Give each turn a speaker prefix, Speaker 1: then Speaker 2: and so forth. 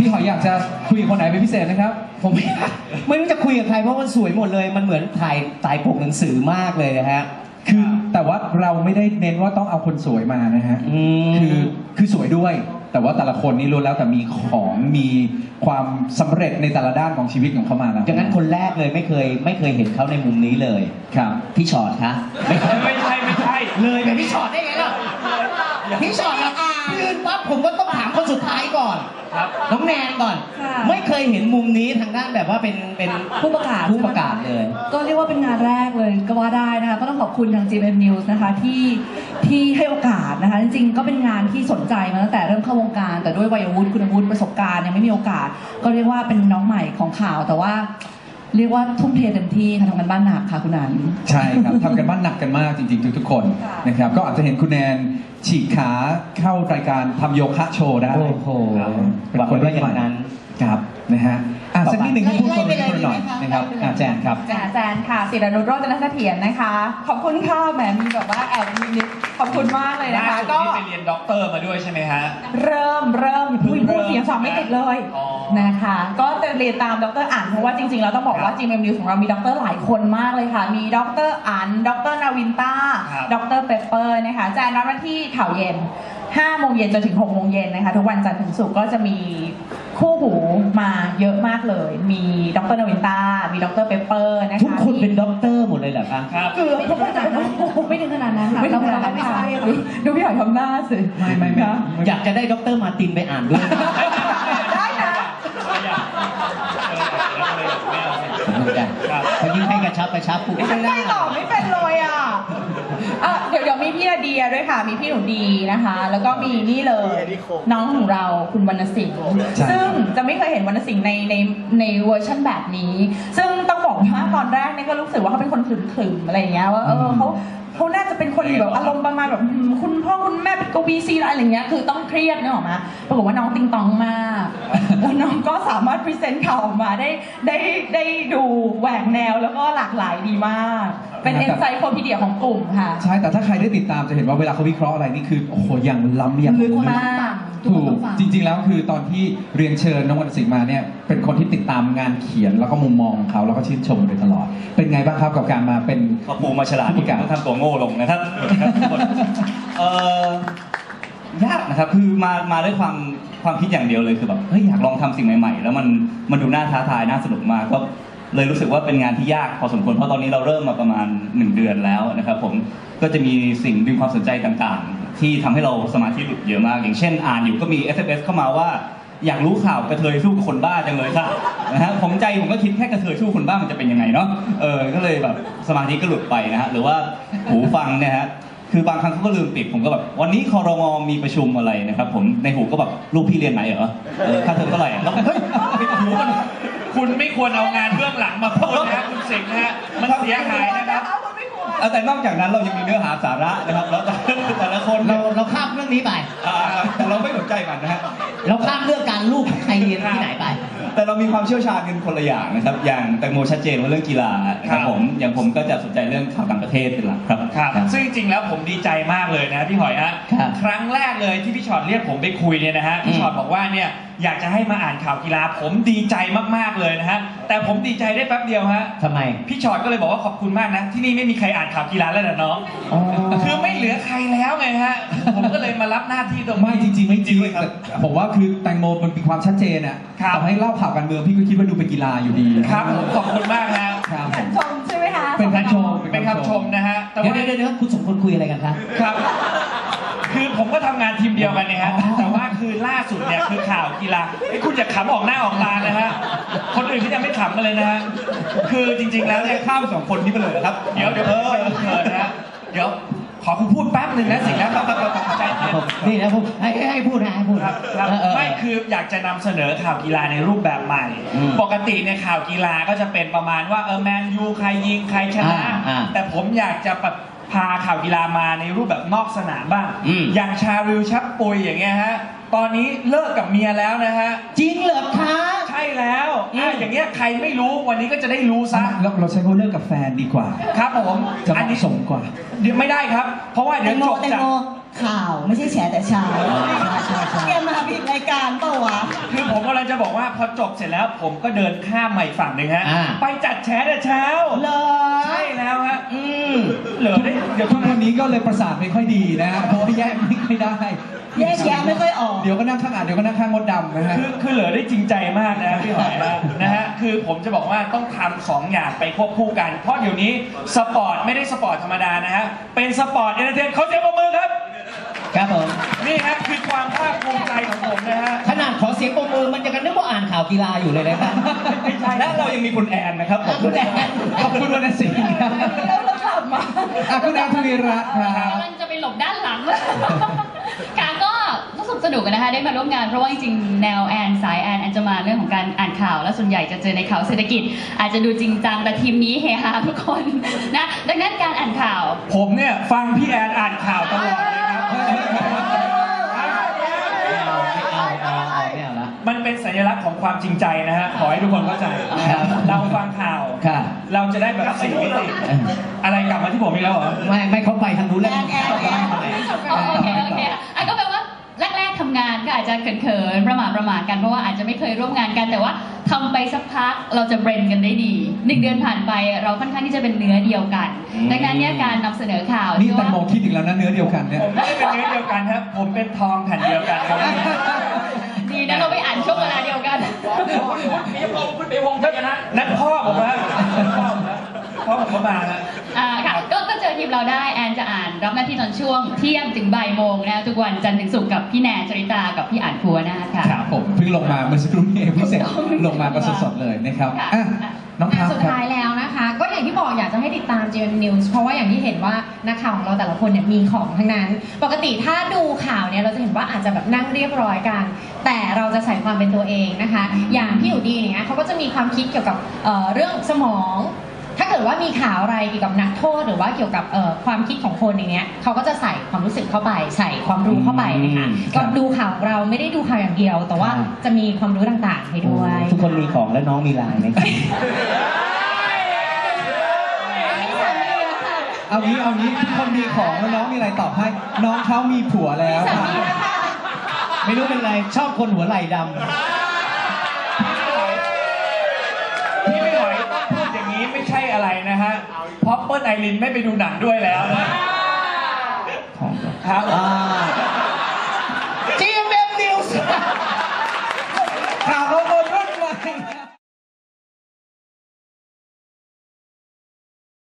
Speaker 1: หอยอยากจะคุยกับคนไหนเป็นพิเศษนะครับ
Speaker 2: ผมไม่รู้จะคุยกับใครเพราะมันสวยหมดเลยมันเหมือนถ่ายปกหนังสือมากเลยนะฮะ
Speaker 1: คือแต่ว่าเราไม่ได้เน้นว่าต้องเอาคนสวยมานะฮะคือสวยด้วยแต่ว่าแต่ละคนนี่รู้แล้วแต่มีของมีความสำเร็จในแต่ละด้านของชีวิตของเขามาแล้ว
Speaker 2: ดังนั้นคนแรกเลยไม่เคยเห็นเขาในมุมนี้เลย
Speaker 1: ครับ
Speaker 2: พี่ชอตคะ
Speaker 3: ไม่ใช่
Speaker 2: เลยเป็นพี่ชอตได้ไงล่ะพี่ชอตนะยืนปั๊บผมก็ต้องถามคนสุดท้ายก่อนน้องแนนก่อนไม่เคยเห็นมุมนี้ทางด้านแบบว่าเป็น
Speaker 4: ผู้ประกาศ
Speaker 2: เลย
Speaker 4: ก็เรียกว่าเป็นงานแรกเลยก็ว่าได้นะคะก็ต้องขอบคุณทาง GMM News นะคะที่ให้โอกาสนะคะจริงๆก็เป็นงานที่สนใจมาตั้งแต่เริ่มเข้าวงการแต่ด้วยวัยวุฒิคุณวุฒิประสบการณ์ยังไม่มีโอกาสก็เรียกว่าเป็นน้องใหม่ของข่าวแต่ว่าเรียกว่าทุ่มเทเต็มที่ค่ะทำกันบ้านหนักค่ะคุณนัน
Speaker 1: ใช่ครับทำกันบ้านหนักกันมากจริงๆทุกๆคนนะครับก็อาจจะเห็นคุณแนนฉีกขาเข้ารายการทำโยคะโชว์ได้
Speaker 2: โอ้โห
Speaker 1: เป็นคนที่อย่างนั้นครับนะฮะสักนิดหนึ่งให้พูดคนหน่อยนะครับแจนครับ
Speaker 4: แจนค่ะศิรนุชโรจนเสถียรนะคะขอบคุณค่ะแหมมีแบบว่าแอบนิดขอบคุณมากเลยนะคะ
Speaker 3: ก็ไปเรียนด็อกเตอร์มาด้วยใช่ไหมฮะ
Speaker 4: เริ่มพูดเสียงสอบไม่ติดเลยนะคะก็จะเรียนตามดร.อั๋นเพราะว่าจริงๆเราต้องบอกว่า GMM News ของเรามีด็อกเตอร์หลายคนมากเลยค่ะมีดร.อั๋นดร.นาวินต้าดร.เปเปอร์นะคะแจนรับหน้าที่ข่าวเย็น5 โมงเย็นจนถึง6 โมงเย็นนะคะทุกวันจันทร์ถึงศุกร์ก็จะมีคู่หูมาเยอะมากเลยมีดร.นาวินต้ามีดร.เปเปอร์นะคะ
Speaker 2: ทุกคนเป็นด็อกเตอร์หมดเลยเหรอคะ
Speaker 4: เกือบทุกคนจะไม่ถึงขนาดนั้นค่ะไม่ถึงขนาดนั้นค่ะดูพี่หอยทำหน้าสิ
Speaker 2: ไม่อยากจะได้ดร.มาร์ตินไปอ่านด้วย
Speaker 4: ได้นะ
Speaker 2: เขายิ่งให้กระชับปุ๊บ
Speaker 4: ไม่หรอกไม่เป็นเลยอ่ะเดี๋ยวมีพี่นาเดียด้วยค่ะมีพี่หนูดีนะคะแล้วก็มีนี่เลยน้องของเราคุณวรรณสิงห์ซึ่งจะไม่เคยเห็นวรรณสิงห์ในเวอร์ชันแบบนี้ซึ่งต้องบอกว่าตอนแรกเนี่ยก็รู้สึกว่าเขาเป็นคนขรึมๆอะไรอย่างเงี้ยว่าเขาน่าจะเป็นคนแบบอารมณ์ประมาณแบบคุณพ่อคุณแม่เป็นกวีซีอะไรอย่างเงี้ยคือต้องเครียดเนี่ยหรอมาปรากฏว่าน้องติงตองมากแล้วน้องก็สามารถพรีเซนต์ข่าวออกมาได้ดูแหวกแนวแล้วก็หลากหลายดีมากเป็นเอ็นไซโคพีเดียของกลุ่มค่ะ
Speaker 1: ใช่แต่ถ้าใครได้ติดตามจะเห็นว่าเวลาเขาวิเคราะห์อะไรนี่คือโอ้โหอย่างล้ำอย่าง
Speaker 4: ลึกมาก
Speaker 1: ถูกจริงๆแล้วคือตอนที่เรียนเชิญน้องวรรณสิงห์มาเนี่ยเป็นคนที่ติดตามงานเขียนแล้วก็มุมมองของเขาแล้วก็ชื่นชมโดยตลอดเป็นไงบ้างครับกับการมาเป็น
Speaker 3: เขาปูมาฉลาดที่การทำตัวโง่ลงนะครับยากนะครับคือมาด้วยความคิดอย่างเดียวเลยคือแบบเฮ้ยอยากลองทำสิ่งใหม่ๆแล้วมันดูน่าท้าทายน่าสนุกมากก็เลยรู้สึกว่าเป็นงานที่ยากพอสมควรเพราะตอนนี้เราเริ่มมาประมาณ1 เดือนแล้วนะครับผมก็จะมีสิ่งดึงความสนใจต่างๆที่ทำให้เราสมาธิหลุดเยอะมากอย่างเช่นอ่านอยู่ก็มี SMS เข้ามาว่าอยากรู้ข่าวกระเทยสู้กับคนบ้าจังเลยค่ะนะฮะผมก็คิดแค่กระเทยสู้คนบ้ามันจะเป็นยังไงเนาะก็เลยแบบสมาธิก็หลุดไปนะฮะหรือว่าหูฟังเนี่ยฮะคือบางครั้งเขาก็ลืมปิดผมก็แบบวันนี้ครม.มีประชุมอะไรนะครับผมในหูก็แบบลูกพี่เรียนไหนเหรอค่าเทอมเท่าไหร่แล้วเฮ้ยหูมันคุณไม่ควรเอางานเบื้องหลังมาพูดนะคุณสิงห์นะฮะมันเสียหายนะครับแต่นอกจากนั้นเรายังมีเนื้อหาสาระนะครับแล้วแต่ละคน
Speaker 2: เราข้ามเรื่องนี้ไป
Speaker 3: แต่เราไม่สนใจมันนะฮะ
Speaker 2: เราข้ามเรื่องการลูกใครเรียนที่ไหนไป
Speaker 3: แต่เรามีความเชี่ยวชาญกันคนละอย่างนะครับอย่างแตงโมชัดเจนว่าเรื่องกีฬาครับผมอย่างผมก็จะสนใจเรื่องข่าวต่างประเทศเป็นหลักครับซึ่งจริงๆแล้วผมดีใจมากเลยนะพี่หอยฮะครั้งแรกเลยที่พี่ชอตเรียกผมไปคุยเนี่ยนะฮะพี่ชอตบอกว่าเนี่ยอยากจะให้มาอ่านข่าวกีฬาผมดีใจมากๆเลยนะฮะแต่ผมดีใจได้แป๊บเดียวฮะ
Speaker 2: ทำไม
Speaker 3: พี่ชอตก็เลยบอกว่าขอบคุณมากนะที่นี่ไม่มีใครอ่านข่าวกีฬาแล้วนะน้องคือไม่เหลือใครแล้วไงฮะผมก็เลยมารับหน้าที่ตรงนี้
Speaker 1: ไม่จริงๆไม่จริงครับผมว่าคือแตงโมมันมีความชัดเจนอ่ะต่อให้เล่าข่าวการเมืองพี่ก็คิดว่าดูเป็นกีฬาอยู่ดี
Speaker 3: ครับขอบคุณมากฮะ
Speaker 4: คำชมใช่ไหมคะ
Speaker 1: เป็นคำชม
Speaker 3: นะฮะ
Speaker 2: เดี๋ยวคุณสมควรคุยอะไรกันครับ
Speaker 3: ครับคือผมก็ทำงานทีมเดียวกันเนี่ยฮะแต่ว่าคือล่าสุดเนี่ยคือข่าวกีฬาคุณอย่าขำออกหน้าออกตานะฮะคนอื่นที่ยังไม่ขำกันเลยนะฮะคือจริงๆแล้วเนี่ยข้าม2 คนนี้ไปเลยครับเดี๋ยวนะฮะเดี๋ยวขอคุณพูดแป๊บหนึ่งนะสิ่งนั้นใจ
Speaker 2: นี่นะผมให้พูดนะให้พูด
Speaker 3: ครับไม่คืออยากจะนำเสนอข่าวกีฬาในรูปแบบใหม่ปกติในข่าวกีฬาก็จะเป็นประมาณว่าแมนยูใครยิงใครชนะแต่ผมอยากจะพาข่าวกีฬามาในรูปแบบนอกสนามบ้างอย่างชาริวชับปุยอย่างเงี้ยฮะตอนนี้เลิกกับเมียแล้วนะฮะ
Speaker 2: จริงเหรอคะ
Speaker 3: ใช่แล้วอย่างเงี้ยใครไม่รู้วันนี้ก็จะได้รู้ซะ
Speaker 1: เราใช้เขาเลิกกับแฟนดีกว่า
Speaker 3: ครับผม
Speaker 1: จะเหมาะสมกว่า
Speaker 3: เดี๋ยวไม่ได้ครับเพราะว่าเดี๋ยวจบจาก
Speaker 4: ข่าวไม่ใช่แฉแต่ชายเกมมาพี่
Speaker 2: รายการเปล่าวะ
Speaker 5: คือผมกำลังจะบอกว่าพอจบเสร็จแล้วผมก็เดินข้ามมาอีกฝั่งหนึ่งฮะ
Speaker 2: อ่า
Speaker 5: ไปจัดแชร์แต่เช้า
Speaker 2: เหรอ
Speaker 5: ใช่แล้วฮะ
Speaker 2: อืม
Speaker 5: เหลือได้เดี๋ยว
Speaker 1: ทุกวันนี้ก็เลยประสาทไม่ค่อยดีนะฮะเพราะว่าแยกไม่ค่อยได้
Speaker 2: แยกแยะไม่ค่อยออก
Speaker 1: เดี๋ยวก็นั่งข้างอ่านเดี๋ยวก็นั่งข้างมดดำนะฮะ
Speaker 5: คือเหลือได้จริงใจมากนะพี่หอยนะฮะคือผมจะบอกว่าต้องทำสองอย่างไปควบคู่กัน เพราะเดี๋ยวนี้สปอร์ตไม่ได้สปอร์ตธรรมดานะฮะเป็นสปอร์ตเอนเตอร์เทนเขาเสียงปรบมือครับ
Speaker 2: ครับผม
Speaker 5: นี่ฮะคือความภาคภูมิใจของผมนะฮะ
Speaker 2: ขนาดขอเสียงปรบมือมันจะกันนึกว่าอ่านข่าวกีฬาอยู่เลยนะครับ
Speaker 5: ไม่ใช่
Speaker 3: และเรายังมีคุณแอนนะครับผม
Speaker 2: คุณแอน
Speaker 1: ขอบคุณวรรณสิงห์ครับ
Speaker 4: แล้วเรากลับมา
Speaker 1: อ่ะคุณแอนทวีรัตน์ครับ
Speaker 6: กำลังจะไปหลบด้านหลัง ค่ะก็รู้สึกสนุกกันนะคะได้มาร่วมงานเพราะว่าจริงๆแนวแอนสายแอนจะมาเรื่องของการอ่านข่าวและส่วนใหญ่จะเจอในข่าวเศรษฐกิจ อาจจะดูจริงจังแต่ทีมนี้เฮฮาทุกคนนะดังนั้นการอ่านข่าว
Speaker 5: ผมเนี่ยฟังพี่แอนอ่านข่าวตลอดเลยครับ
Speaker 2: ไม่เอาละ
Speaker 5: มันเป็นสัญลักษณ์ของความจริงใจนะฮะ ขอให้ทุกคนเข้าใจนะครับเราฟังข่าว
Speaker 2: ค่ะ
Speaker 5: เราจะได้แบบสี่มิติอะไรกลับมาที่ผมอีกแล้วเหรอ
Speaker 2: ไม่เขาไปทางนู้นแล้ว
Speaker 6: โอเคอ่ะก็แปลว่าแรกๆทำงานก็อาจจะเขินๆประหม่ากันเพราะว่าอาจจะไม่เคยร่วมงานกันแต่ว่าทำไปสักพักเราจะเบรนกันได้ดี1 เดือนผ่านไปเราค่อนข้างที่จะเป็นเนื้อเดียวกัน ดังนั้นเนี่ยการนำเสนอข่าว
Speaker 1: นี่
Speaker 6: ที่
Speaker 1: แตง
Speaker 6: ว่า
Speaker 1: โมคิดอีกแล้วนะเนื้อเดียวกันเนี่ย
Speaker 5: ผมไม่ได้เป็นเนื้อเดียวกันครับผมเป็นทองแผ่นเดียวกันครับ
Speaker 6: ดีนะเราไปอ่านช่วงเวลาเดียวกัน
Speaker 5: นั่นพ่อผมฮะพ่อผมก็มาฮะ
Speaker 6: ค่ะก็เจอทีมเราได้แอนจะอ่านรับหน้าที่ตอนช่วงเที่ยงถึงบ่ายโมงนะทุกวันจันทร์ถึงศุกร์กับพี่แนนจริตากับพี่อ่านครัวนาค่ะ
Speaker 1: ครับผมเพิ่งลงมาเมื่อสักครู่นี้เองเพิ่งเสร็จลงมาก็สดๆเลยนะครับ
Speaker 6: ค่ะ
Speaker 1: อ่ะน้องพับ
Speaker 7: สุด
Speaker 1: ครับ
Speaker 7: ท้ายแล้วนะคะ ก็อย่างที่บอกอยากจะให้ติดตาม GMM News เพราะว่าอย่างที่เห็นว่านักข่าวของเราแต่ละคนเนี่ยมีของทั้งนั้น ปกติถ้าดูข่าวเนี่ยเราจะเห็นว่าอาจจะแบบนั่งเรียบร้อยกัน แต่เราจะใส่ความเป็นตัวเองนะคะ อย่างพี่อยู่ดีเนี่ยเขาก็จะมีความคิดเกี่ยวกับเรื่องสมอง ถ้าเกิดว่ามีข่าวอะไรเกี่ยวกับนักโทษหรือว่าเกี่ยวกับความคิดของคนอย่างเงี้ยเขาก็จะใส่ความรู้สึกเข้าไปใส่ความรู้เข้าไปนะคะก็ดูข่าวของเราไม่ได้ดูข่าวอย่างเดียว แต่ว่าจะมีความรู้ต่างๆให้ด้วย
Speaker 2: ทุกคนมีของและน้องมีลายไหมครับ
Speaker 1: เอางี้ทุกคนมีของแล้วน้องมีอะไรตอบให้ น้องเขามีผัวแล้วค่ะ
Speaker 2: ไม่รู้เป็นไรชอบคนหัวไหล่ดำ
Speaker 5: พี่ไม่หอยพูดอย่างนี้ไม่ใช่อะไรนะฮะเพราะเปิ้ลไอรินไม่ไปดูหนังด้วยแล้วนะ
Speaker 3: ของ
Speaker 5: ครับ
Speaker 2: อ่า